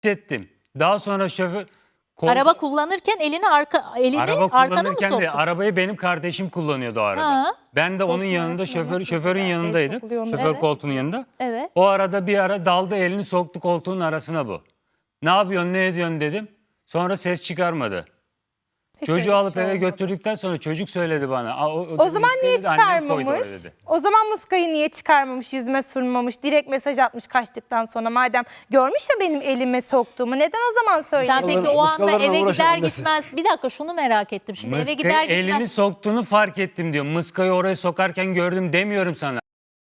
hissettim. Daha sonra şoför... Araba kullanırken elini Araba arkana mı kullanırken soktun? de arabayı benim kardeşim kullanıyordu o arada. Ha. Ben de onun yanında şoförün yanındaydım. Şoför Evet. koltuğunun yanında. Evet. O arada bir ara daldı elini soktu koltuğun arasına bu. Ne yapıyorsun ne ediyorsun dedim. Sonra ses çıkarmadı. Çocuğu alıp eve götürdükten sonra çocuk söyledi bana. O zaman niye dedi, annem koydu çıkarmamış? oraya dedi. O zaman muskayı niye çıkarmamış, yüzüme sürmemiş, direkt mesaj atmış kaçtıktan sonra. Madem görmüş ya benim elime soktuğumu, neden o zaman söyledi? Sen peki o anda Muskalarla eve uğraşan gider annesi. gitmez, bir dakika şunu merak ettim şimdi, eve Mıskayı gider gitmez. elini soktuğunu fark ettim diyor. Mıskayı oraya sokarken gördüm demiyorum sana.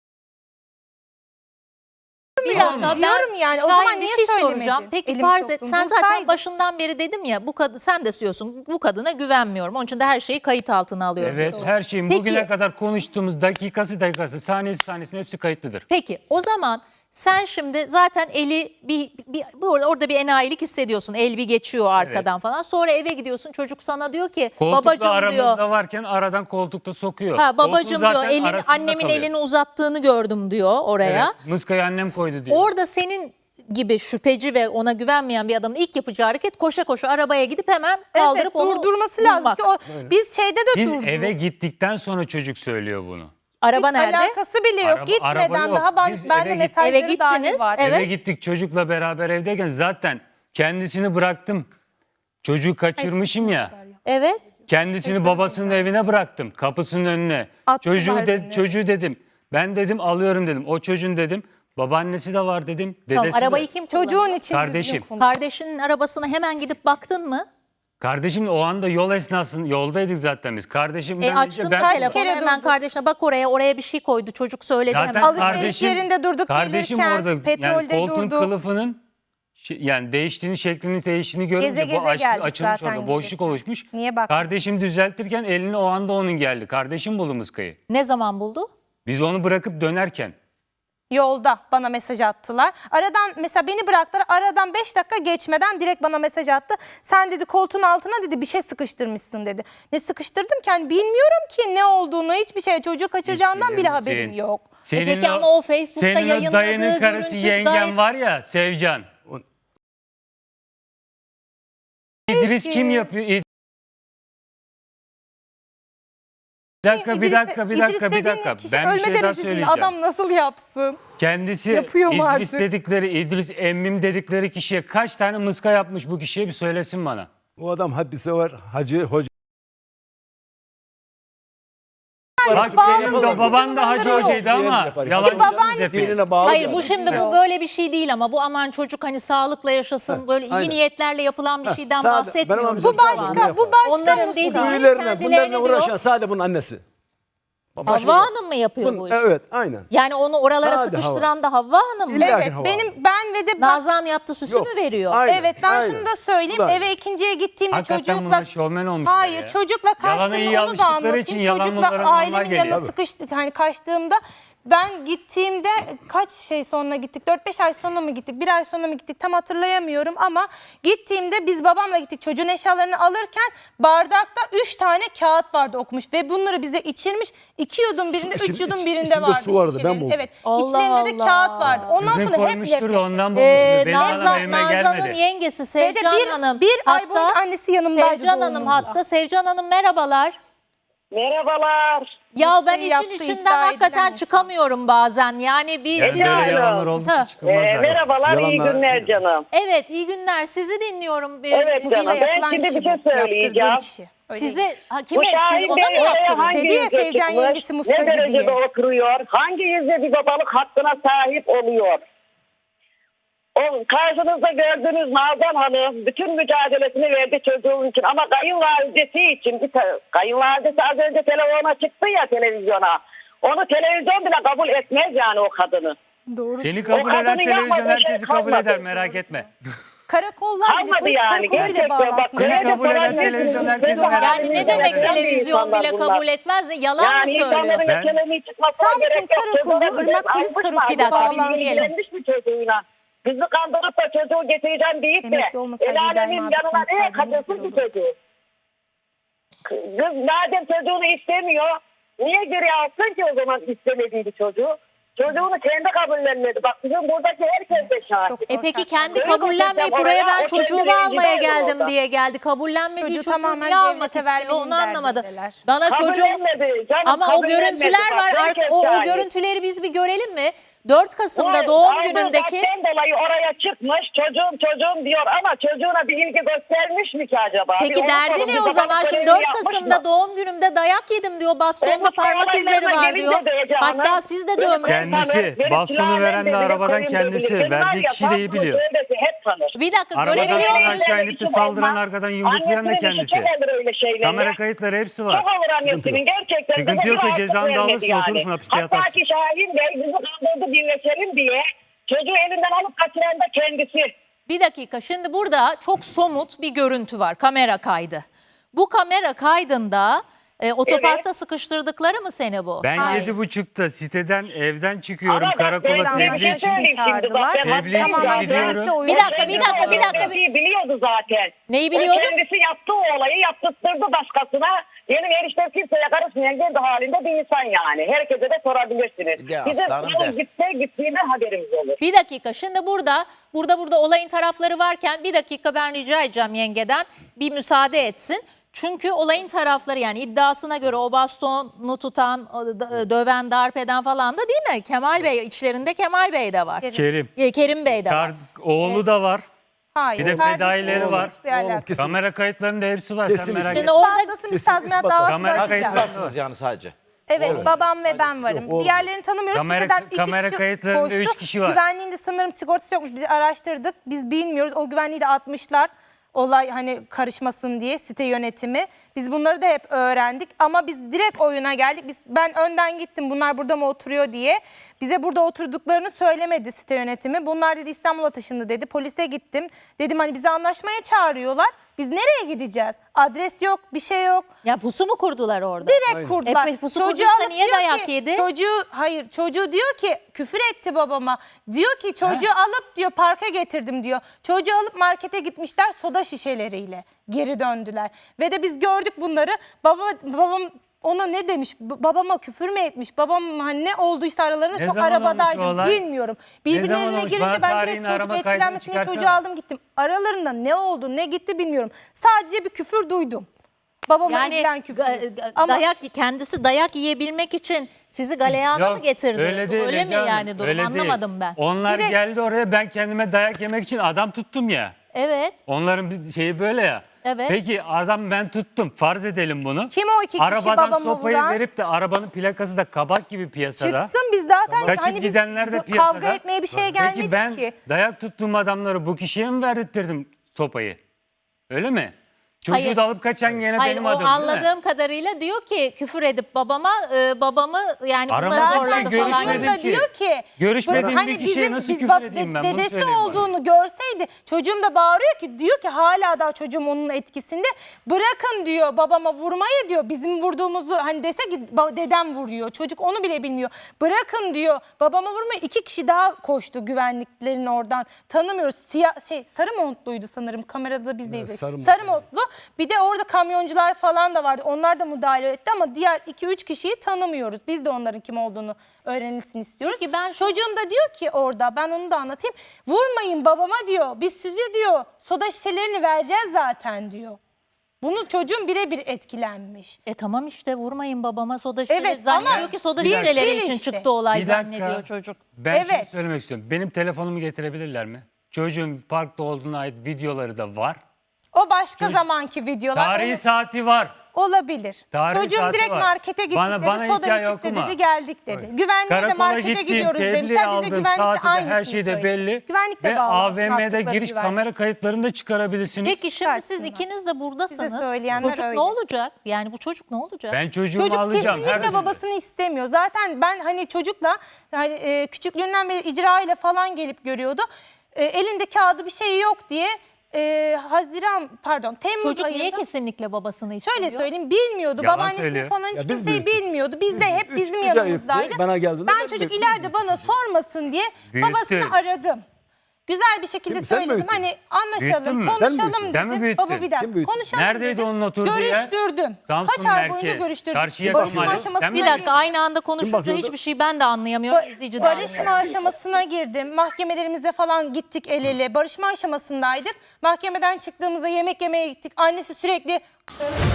Bir Tamam dakika mı? Diyorum yani, o Şahin, zaman bir niye şey söylemedin? soracağım. Peki Elimi farz et, soktum, sen zaten bulsaydım. başından beri dedim ya, bu kadın, sen de diyorsun bu kadına güvenmiyorum. Onun için de her şeyi kayıt altına alıyorum. Evet diyorsun. her şeyin Peki. bugüne kadar konuştuğumuz dakikası, saniyesinin hepsi kayıtlıdır. Peki o zaman sen şimdi zaten eli orada bir enayilik hissediyorsun. El bir geçiyor arkadan falan. Sonra eve gidiyorsun, çocuk sana diyor ki Koltukla babacığım aramızda diyor. varken aradan koltukta sokuyor. Ha babacığım Koltuğun diyor, zaten arasında annemin kalıyor. elini uzattığını gördüm diyor oraya. Evet, mıskayı annem koydu diyor. Orada senin gibi şüpheci ve ona güvenmeyen bir adamın ilk yapacağı hareket koşa koşa arabaya gidip hemen kaldırıp Evet, onu durdurması lazım bulmak. ki o, biz şeyde de Biz durduk. eve gittikten sonra çocuk söylüyor bunu. Araba Hiç nerede? alakası bile yok. Araba Gitmeden yok. daha Biz ben de eve mesajları Eve dahi gittiniz, var. evet. Eve gittik çocukla beraber evdeyken zaten kendisini bıraktım. Çocuğu kaçırmışım ya. Evet. Kendisini babasının evine bıraktım. Kapısının önüne. Attılar beni. Çocuğu dedim. Ben dedim alıyorum dedim. O çocuğun dedim. Babaannesi de var dedim. Tamam, Dedesi de. arabayı kim kullanıyor? Çocuğun için Kardeşim. düzgün konuş. Kardeşinin arabasına hemen gidip baktın mı? Kardeşim o anda yol esnasında yoldaydık zaten biz. Kardeşimden Açtın önce mı ben... telefonu kere hemen durduk. kardeşine, bak oraya bir şey koydu çocuk söyledi Zaten hemen. Alışveriş yerinde durduk kardeşim gelirken, orada yani petrolde koltuğun durduk. kılıfının yani şeklini değiştiğini görünce Geze bu geze açılmış geldik zaten orada boşluk gelirken. oluşmuş. Niye bak? Kardeşim düzeltirken elini o anda onun geldi. Kardeşim buldu mıskayı. Ne zaman buldu? Biz onu bırakıp dönerken. Yolda bana mesaj attılar. Aradan mesela beni bıraktılar. Aradan 5 dakika geçmeden direkt bana mesaj attı. Sen dedi koltuğun altına dedi bir şey sıkıştırmışsın dedi. Ne sıkıştırdım ki? Yani bilmiyorum ki ne olduğunu, hiçbir şey. Çocuğu kaçıracağından bile bilmiyorum. haberim yok. Senin Peki ama o Facebook'ta senin o yayınladığı dayının karısı görüntü yengen gayet- var ya Sevcan. İdris kim yapıyor? Bir dakika. İdris dediğin kişi Ben bir ölme şey daha derecesinde, söyleyeceğim. adam nasıl yapsın? Kendisi Yapıyor mu İdris artık? İdris emmim dedikleri kişiye kaç tane mıska yapmış bu kişiye bir söylesin bana. O adam hadise var, hacı, hoca. Bak senin de baban da hacı hocaydı ama yalancısınız hepiniz. Dinine bağlı Hayır bir bu adam. şimdi bu böyle bir şey değil ama bu aman çocuk hani sağlıkla yaşasın böyle iyi aynen. niyetlerle yapılan bir şeyden Sade- bahsetmiyoruz. benim amcam Bu sağ olsun, başka, yapar. bu başka Onların mı? dediği Büyülerine, kendilerine bunlarla uğraşan diyor. sadece bunun annesi. Başka Havva yok. Hanım mı yapıyor bu işi? Evet, aynen. Yani onu oralara Sade sıkıştıran da Havva Hanım mı? İlla- Evet, Hava. ben ve de Nazan yaptı süsü Yok. mü veriyor? Aynen, evet ben aynen. şunu da söyleyeyim. Bu da Eve ikinciye gittiğimde Hakikaten çocukla bunlar şovmen olmuşlar hayır ya. çocukla Yalana kaçtığımda iyi onu da alıştıkları anlatayım. için yalan bunlara Çocukla normal ailemin geliyor. yanına sıkıştık hani kaçtığımda ben gittiğimde kaç şey sonra gittik? 4-5 ay sonra mı gittik? 1 ay sonra mı gittik? Tam hatırlayamıyorum ama gittiğimde biz babamla gittik. Çocuğun eşyalarını alırken bardakta 3 tane kağıt vardı okumuş ve bunları bize içirmiş. 2 yudum birinde, 3 yudum birinde içinde vardı. su vardı, ben şişelerin. buldum. Evet. Allah İçlerinde de Allah. kağıt vardı. Ondan Kızın sonra hep koymuştur nefret. da ondan bulmuştur. Benim anam evime Nazan'ın gelmedi. yengesi Ve de Sevcan Hanım. bir ay boyunca annesi yanımdaydı Sevcan Hanım doğumunda. hatta. Sevcan Hanım merhabalar. Merhabalar. Ya ben Mesleği işin yaptığı içinden iddia hakikaten edilen çıkamıyorum bazen. Yani bir Yani siz böyle Aynen. yalanlar oldu Ha. ki çıkılmaz zaten. Merhabalar, iyi Yalanlar- günler canım. Evet iyi günler. Sizi dinliyorum. Evet Buzuyla canım, ben yapılan şimdi kişi bir şey bu, söyleyeceğim. yaptırdığım kişi. Öyle Size değil. kime Bu siz Şahin ona Bey mı oraya yaptınız? hangi Dedi ya yüzle Sevcan çıkmış, yengesi muskacı ne derecede diye. oturuyor, hangi yüzle bir babalık hakkına sahip oluyor? O karşınızda gördüğünüz Nazan Hanım bütün mücadelesini verdi çocuğun için ama kayınvalidesi için kayınvalidesi az önce telefona çıktı ya televizyona. Onu televizyon bile kabul etmez yani o kadını. Doğru. Seni kabul O eden kadının televizyon yapmadığı şey herkesi kabul kalmadı. eder merak etme. Karakollar bile, Kalmadı polis yani. karakolu bile Gerçekten bak, bağlansın. Seni böyle kabul eden falan televizyon yapıyorsunuz. herkesi Böyle merak Yani etme. ne demek böyle televizyon insanlar bile bunlar. kabul etmez de yalan mı Yani söylüyor? insanların Ben- ekonomi çıkmasına Samsun gerek yok. Karakolu, Çocuğun Irmak Polis almış mı Karakolu Bir dakika, bir acaba? dinleyelim. İlgilenmiş mi çocuğuyla? Bizi kandırıp da çocuğu getireceğim deyip de Emekli olmasaydı el alemin İbrahim abi yanına konuşsaydı neye ne güzel kaçırsın ki olurdu. çocuğu? Kız madem çocuğunu istemiyor, niye geri alsın ki o zaman istemediği bir çocuğu? Çocuğunu kendi kabullenmedi. Bak bizim buradaki herkes de şahit. Peki kendi Böyle kabullenmeyip koşacağım buraya oraya, ben o çocuğumu kendi almaya rencide geldim orada. diye geldi. Kabullenmediği Çocuğu çocuğu tamamen niye almak devlete istiyor vermenin onu anlamadım. derdindeler. Bana çocuğum Kabullenmedi canım, ama o kabullenmedi. görüntüler Bak, var. herkes O şahit. görüntüleri biz bir görelim mi? 4 Kasım'da Bu doğum aldığı günündeki dertten dolayı oraya çıkmış çocuğum diyor ama çocuğuna bir ilgi göstermiş mi ki acaba? Peki Bir onu derdi sorun, ne bir o babalık zaman? Şimdi görevini 4 yapmış Kasım'da mı? doğum günümde dayak yedim diyor. Bastonda bu parmak izleri olaylarına var diyor. gelince de Ece Hanım, Hatta siz de beni dövmüş. Kendisi, tanır, beni bastonu silahla veren de bilir, arabadan koyun da kendisi, bilir. verdiği Benim var kişi de iyi ya, biliyor. söylesi hep tanır. Bir dakika Arabadan görebiliyor sonra muyuz? aşağı inip de saldıran arkadan yumruklayan da Annesinin işi kendisi. çok olur öyle şeyler. Kamera kayıtları hepsi var. Çok olur annesinin gerçekten. Sıkıntı bize yoksa bir cezanı rahatlık da alırsın, vermedi yani. oturursun, hapiste Hatta yatarsın. ki Şahin Bey bizi kandırdı dinletelim diye çocuğu elinden alıp kaçıran da kendisi. Bir dakika şimdi burada çok somut bir görüntü var, kamera kaydı. Bu kamera kaydında otoparkta sıkıştırdıkları mı seni bu? Ben Hayır. 7.30'da siteden evden çıkıyorum Ama bak, karakola ben tebliğ anlaşıldı. için. Şimdi çağırdılar. bak, ben Tebliğ için tamamen gidiyorum. devletle oyun Bir dakika, bir dakika, bir dakika. Biliyordu zaten. Neyi biliyordu? O kendisi yaptığı olayı yaptırttırdı başkasına. Benim eniştem kimseye karışmayan kendi halinde bir insan yani. Herkese de sorabilirsiniz. Bir de Bizim aslanım yolun de. gittiğinden haberimiz olur. Bir dakika şimdi burada olayın tarafları varken bir dakika ben rica edeceğim yengeden bir müsaade etsin. Çünkü olayın tarafları yani iddiasına göre o bastonu tutan, döven, darp eden falan da değil mi? Kemal Bey içlerinde Kemal Bey de var. Kerim. Kerim Bey de var. Oğlu da var. Hayır. Bir de kardeşim fedaileri var. hiçbir alakası kesin. Kamera kayıtlarında hepsi var. Sen Kesinlikle. merak Şimdi etme. orada İspatlasın, biz Kesin tazminat ispat davası Kamera açacağız. kayıtları- Yani sadece. Evet, babam ve ben varım. Yok, Diğerlerini tanımıyoruz. Kamera- Siteden 2 kamera kişi kayıtlarında koştu. 3 kişi var. Güvenliğinde sanırım sigortası yokmuş. Biz araştırdık. Biz bilmiyoruz. O güvenliği de atmışlar. Olay hani karışmasın diye site yönetimi. Biz bunları da hep öğrendik ama biz direkt oyuna geldik. Ben önden gittim bunlar burada mı oturuyor diye. Bize burada oturduklarını söylemedi site yönetimi. Bunlar dedi İstanbul'a taşındı dedi. Polise gittim. Dedim hani bizi anlaşmaya çağırıyorlar. Biz nereye gideceğiz? Adres yok, bir şey yok. ya pusu mu kurdular orada? Direkt kurdular. pusu Çocuğu kurduysa alıp niye diyor dayak ki- yedi? Çocuğu diyor ki küfür etti babama. Diyor ki çocuğu alıp diyor parka getirdim diyor. Çocuğu alıp markete gitmişler soda şişeleriyle geri döndüler. Ve de biz gördük bunları. Babam ona ne demiş? Babama küfür mü etmiş? Babam hani ne olduysa aralarında Ne çok zaman olmuş o arabadaydım. olay? Bilmiyorum. Ne zaman Birbirlerine olmuş? girince Bana ben tarihini, direkt çocuk arama kaydını etkilenmesine çıkarsana. çocuğu aldım gittim. Aralarında ne oldu ne gitti bilmiyorum. Sadece bir küfür duydum. Babama Yani edilen küfür. kendisi dayak yiyebilmek için sizi galeyana mı getirdi? Öyle değil. mi Ece Hanım, yani durum öyle değil. anlamadım ben. Onlar Direkt- geldi oraya, ben kendime dayak yemek için adam tuttum ya. Evet. Onların bir şeyi böyle ya. Evet. Peki adam ben tuttum. Farz edelim bunu. Kim o iki kişi Arabadan babamı sopayı vuran? verip de arabanın plakası da kabak gibi piyasada. Çıksın biz zaten Kaçıp hani biz gidenler de piyasada. kavga etmeye bir şeye gelmedik Peki ben ki. dayak tuttuğum adamları bu kişiye mi verdirttirdim sopayı? Öyle mi? Çocuğu Hayır. da alıp kaçan gene Hayır benim o adım değil mi? anladığım kadarıyla diyor ki küfür edip babamı yani buna Aramızda zorladı ben falan. görüşmedim Çocuğum da ki. diyor ki Görüşmediğim hani bir kişiye bizim- nasıl biz küfür bak- edeyim ben? Bunu Dedesi söyleyin bana. olduğunu görseydi çocuğum da bağırıyor ki diyor ki hala daha çocuğum onun etkisinde. Bırakın diyor babama vurmayı diyor. Bizim vurduğumuzu hani dese ki dedem vuruyor. Çocuk onu bile bilmiyor. Bırakın diyor babama vurmayı. 2 kişi daha koştu güvenliklerin oradan. Tanımıyoruz. Sarı montluydu sanırım. Kamerada da biz de izledik. sarı Montlu. Bir de orada kamyoncular falan da vardı. Onlar da müdahale etti ama diğer 2-3 kişiyi tanımıyoruz. Biz de onların kim olduğunu öğrenilsin istiyoruz. Peki ben şu- Çocuğum da diyor ki orada ben onu da anlatayım. Vurmayın babama diyor. Biz size diyor soda şişelerini vereceğiz zaten diyor. Bunu çocuğum birebir etkilenmiş. Tamam işte vurmayın babama soda şişeleri. Evet, Zannediyor ama ki soda bir- şişeleri bir için işte. çıktı olay Bir dakika. zannediyor çocuk. Ben şunu Evet. söylemek istiyorum. Benim telefonumu getirebilirler mi? Çocuğun parkta olduğuna ait videoları da var. O başka zamanki videolar. Tarihi Onu- saati var. Olabilir. Tarihi Çocuğum saati direkt var. markete gittik Bana dedi. Soda hikaye çıktı okuma. dedi. Geldik dedi. Güvenliğe de Karakola markete gittim, gidiyoruz tebliğ demişler. Bize aldım, güvenlik de saati de her aynısını şey de söyledi. belli. Güvenlik de Ve bağlı. AVM'de giriş kamera kayıtlarını da çıkarabilirsiniz. Peki şimdi siz Çıkarsınlar. ikiniz de buradasınız. Size söyleyenler Çocuk öyle. ne olacak? Yani bu çocuk ne olacak? Ben çocuğumu Çocuk alacağım. her kesinlikle türlü. babasını istemiyor. Zaten ben hani çocukla hani küçüklüğünden beri icra ile falan gelip görüyordu. Elinde kağıdı bir şey yok diye Temmuz Çocuk ayında. niye kesinlikle babasını istiyor? Şöyle söyleyeyim bilmiyordu. Yalan Babaannesini söylüyor. falan hiç Ya biz kimseyi büyüttük. bilmiyordu. Biz de hep bizim Çocuğa yanımızdaydı. yüklü, bana geldiğinde Ben ben çocuk büyüttüm. ileride bana sormasın diye Büyüttü. babasını aradım. Güzel bir şekilde Kim, sen mi söyledim. büyüttün? Hani Büyüttün anlaşalım, mü? Sen mi konuşalım büyüttün? Sen mi dedim. büyüttün? Baba bir dakika. Kim büyüttü? Konuşalım Neredeydi dedim. onun oturduğu yer? Görüştürdüm. Samsun Kaç ay boyunca merkez. görüştürdüm. Karşıyaka Barışma mahalle. aşamasına Sen mi Bir dakika girdim. aynı anda konuşunca bakıyordu? hiçbir şey ben de anlayamıyorum. İzleyici de Barışma anlayamıyor. aşamasına girdim. Mahkemelerimize falan gittik el ele. Barışma aşamasındaydık. Mahkemeden çıktığımızda yemek yemeye gittik. Annesi sürekli